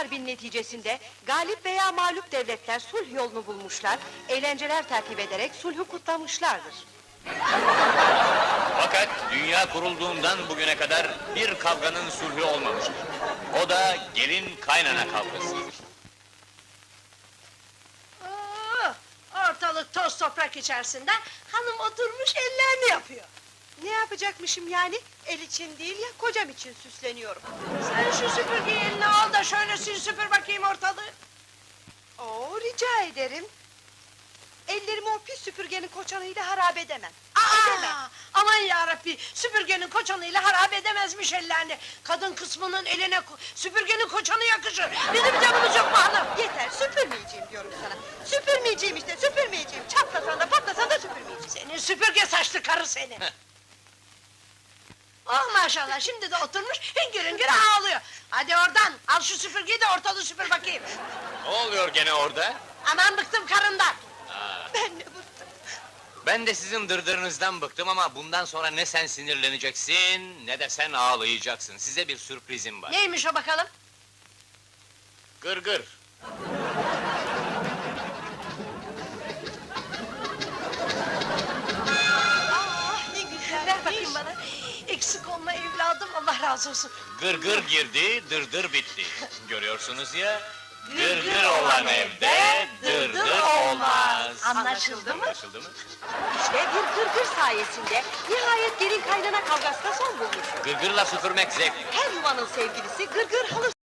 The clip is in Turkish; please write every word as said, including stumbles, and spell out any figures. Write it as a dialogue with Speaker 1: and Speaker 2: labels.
Speaker 1: harbin neticesinde galip veya mağlup devletler sulh yolunu bulmuşlar, eğlenceler tertip ederek sulhü kutlamışlardır.
Speaker 2: Fakat dünya kurulduğundan bugüne kadar bir kavganın sulhü olmamıştır. O da gelin kaynana kavgasıdır.
Speaker 3: Oo, ortalık toz toprak içerisinde, hanım oturmuş ellerini yapıyor.
Speaker 1: Ne yapacakmışım yani? El için değil ya, kocam için süsleniyorum.
Speaker 3: Sen şu süpürgeyi eline al da şöyle sil süpür bakayım ortalığı.
Speaker 1: Oo, rica ederim. Ellerimi o pis süpürgenin koçanıyla harap edemem. Edemem.
Speaker 3: Aa, aman yarabbi, süpürgenin koçanıyla harap edemezmiş ellerini. Kadın kısmının eline ko- süpürgenin koçanı yakışır. Bizim canımız yok mu hanım?
Speaker 1: Yeter, süpürmeyeceğim diyorum sana. Süpürmeyeceğim işte, süpürmeyeceğim. Çatlasan da patlasan da süpürmeyeceğim.
Speaker 3: Senin süpürge saçlı karı seni. Oh maşallah, şimdi de oturmuş hüngür hüngür ağlıyor. Hadi oradan, al şu süpürgeyi de ortalığı süpür bakayım.
Speaker 2: Ne oluyor gene orada?
Speaker 3: Aman bıktım karından.
Speaker 1: Ben de bıktım.
Speaker 2: Ben de sizin dırdırınızdan bıktım ama bundan sonra ne sen sinirleneceksin, ne de sen ağlayacaksın. Size bir sürprizim var.
Speaker 3: Neymiş o bakalım?
Speaker 2: Gır gır.
Speaker 1: Ah, ne güzel.
Speaker 3: Ver bakayım bana. Eksik olma evladım, Allah razı olsun.
Speaker 2: Gır gır girdi, dırdır bitti. Görüyorsunuz ya, gır gır olan evde dırdır olmaz.
Speaker 3: Anlaşıldı mı?
Speaker 2: Anlaşıldı mı?
Speaker 1: İşte bir gırgır sayesinde nihayet gelin kaynana kavgasına son bulmuş.
Speaker 2: Gırgırla süpürmek zevkli.
Speaker 1: Her yuvanın sevgilisi gırgır halı